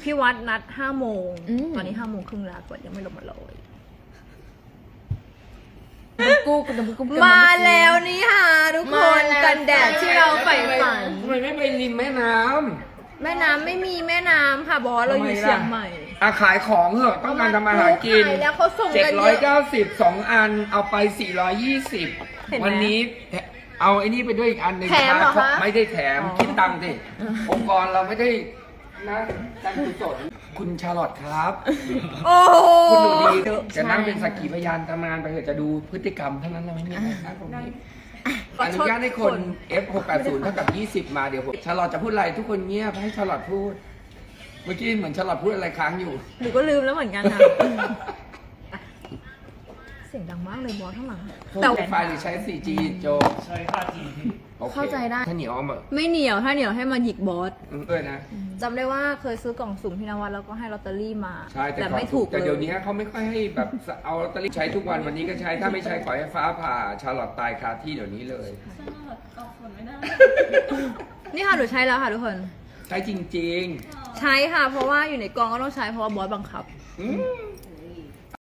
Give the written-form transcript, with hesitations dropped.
พี่วัดนัด5 โมงตอนนี้5 โมงครึ่งแล้วกดยังไม่ลงมาเลย มาแล้วนี่ค่ะทุกคนกันแดดที่เราใฝ่ฝันทำไมไม่ไปริมแม่น้แม่น้ำไม่มีแม่น้ำค่ะบอสเราอยู่เชียงใหม่ำขายของเหอะต้องการทำอาหารกินขายแล้วเขาส่งกันเยอะ 790 2 อันเอาไป 420 เห็นไหมวันนี้เอาไอ้นี่ไปด้วยอีกอันหนึ่งแถมเหรอคะไม่ได้แถมอ๋อคิดตังค์สิองค์กรเราไม่ได้นะการกุศลคุณชาลอตครับโอ้โหคุณดูดีจะนั่งเป็นสักขีพยานทำงานไปเถอะจะดูพฤติกรรมเท่านั้นเราไม่มีอะไรครับตรงนี้อนุญาตให้คน F680 เท่ากับ 20 มาเดี๋ยวผมชาลอตจะพูดอะไรทุกคนเงียบให้ชาลอตพูด เมื่อกี้เหมือนชาลอตพูดอะไรค้างอยู่หนูก็ลืมแล้วเหมือนกันนะเสียงดังมากเลยบอสข้างหลังแต่ไฟหรือใช้ 4G โจใช้ 5G พี่โอคเข้าใจได้ถ้าเหนียวเอามาไม่เหนียวถ้าเหนียวให้มาหยิกบอสนะจำได้ว่าเคยซื้อกล่องสุ่มพี่นวัดแล้วก็ให้ลอตเตอรี่มาใช่แต่ไม่ถูกแต่เลเดี๋ยวย นี้เขาไม่ค่อยให้แบบเอาลอตเตอรี่ใช้ทุกวันวันนี้ก็ใช้ถ้าไม่ใช้ขอให้ฟ้าผ่าชาลอตตายคาที่เดี๋ยวนี้เลยออกผลไม่ได้นี่ค่ะหนูใช้แล้วค่ะทุกคนใช้จริงใช้ค่ะ เพราะว่าอยู่ในกองก็ต้องใช้เพราะว่าบอสบังคับๆ